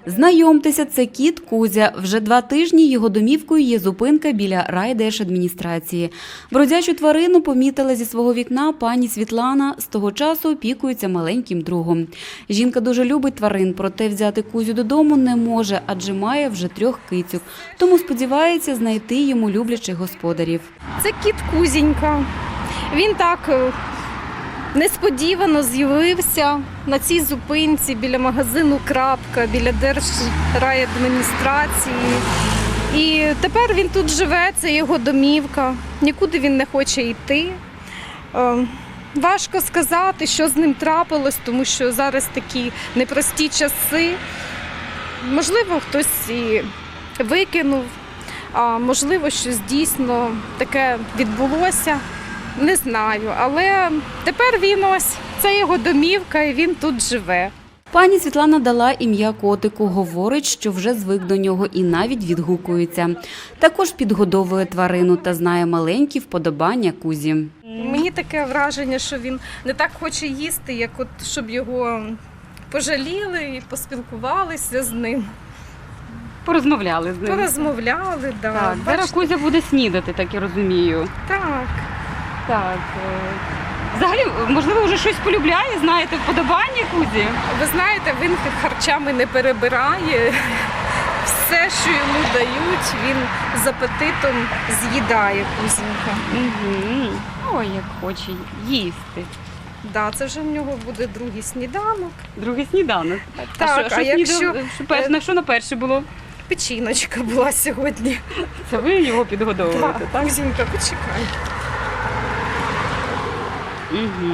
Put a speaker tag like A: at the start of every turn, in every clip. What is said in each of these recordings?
A: Знайомтеся, це кіт Кузя. Вже 2 тижні його домівкою є зупинка біля райдержадміністрації. Бродячу тварину помітила зі свого вікна пані Світлана. З того часу опікується маленьким другом. Жінка дуже любить тварин, проте взяти Кузю додому не може, адже має вже 3 кицьок. Тому сподівається знайти йому люблячих господарів.
B: Це кіт Кузінька. Він так несподівано з'явився на цій зупинці біля магазину «Крапка», біля держрайадміністрації. І тепер він тут живе, це його домівка, нікуди він не хоче йти. Важко сказати, що з ним трапилось, тому що зараз такі непрості часи. Можливо, хтось і викинув, а можливо, щось дійсно таке відбулося. Не знаю, але тепер він ось, це його домівка і він тут живе.
A: Пані Світлана дала ім'я котику, говорить, що вже звик до нього і навіть відгукується. Також підгодовує тварину та знає маленькі вподобання Кузі.
B: Мені таке враження, що він не так хоче їсти, як от, щоб його пожаліли і поспілкувалися з ним.
C: Порозмовляли з ним.
B: Порозмовляли, да.
C: Так, зараз Кузя буде снідати, так я розумію.
B: Так.
C: Так. Взагалі, можливо, вже щось полюбляє, знаєте, вподобання Кузі?
B: Ви знаєте, він харчами не перебирає. Все, що йому дають, він з апетитом з'їдає Кузінька.
C: Угу. Ой, як хоче їсти.
B: Да, це вже в нього буде другий сніданок.
C: Другий сніданок.
B: Так,
C: На що на перше було?
B: Печіночка була сьогодні.
C: Це ви його підгодовуєте, так?
B: Кузінька, почекай.
C: Угу.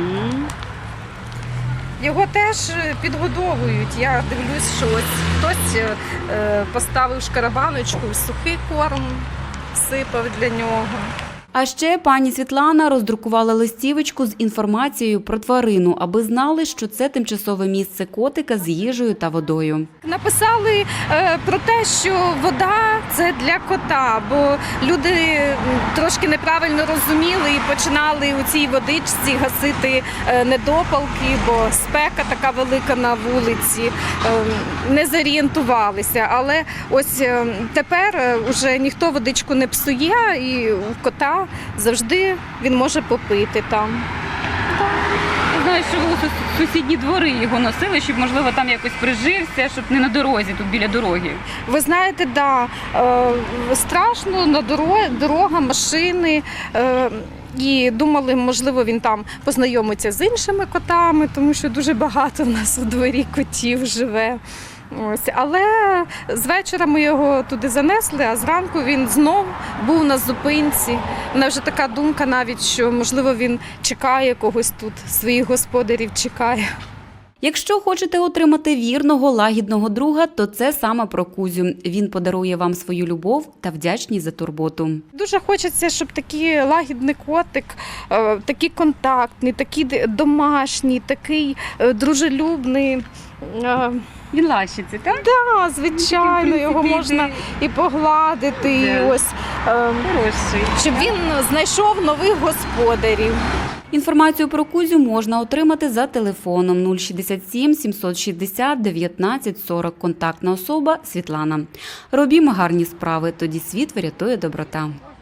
B: Його теж підгодовують. Я дивлюсь, що ось хтось поставив шкарабаночку, сухий корм всипав для нього.
A: А ще пані Світлана роздрукувала листівочку з інформацією про тварину, аби знали, що це тимчасове місце котика з їжею та водою.
B: Написали про те, що вода – це для кота, бо люди трошки неправильно розуміли і починали у цій водичці гасити недопалки, бо спека така велика на вулиці, не зорієнтувалися. Але ось тепер вже ніхто водичку не псує і у кота завжди він може попити там.
C: Знаю, що ви у сусідні двори його носили, щоб, можливо, там якось прижився, щоб не на дорозі, тут біля дороги.
B: Ви знаєте, да, страшно, на дорога, машини. І думали, можливо, він там познайомиться з іншими котами, тому що дуже багато в нас у дворі котів живе. Ось. Але з вечора ми його туди занесли, а зранку він знов був на зупинці. У мене вже така думка навіть, що, можливо, він чекає когось тут, своїх господарів чекає.
A: Якщо хочете отримати вірного, лагідного друга, то це саме про Кузю. Він подарує вам свою любов та вдячність за турботу.
B: Дуже хочеться, щоб такий лагідний котик, такий контактний, такий домашній, такий дружелюбний.
C: Він лащиться, так?
B: Так, звичайно, його можна і погладити, і ось, щоб він знайшов нових господарів.
A: Інформацію про Кузю можна отримати за телефоном 067 760 19 40. Контактна особа Світлана. Робімо гарні справи, тоді світ врятує доброта.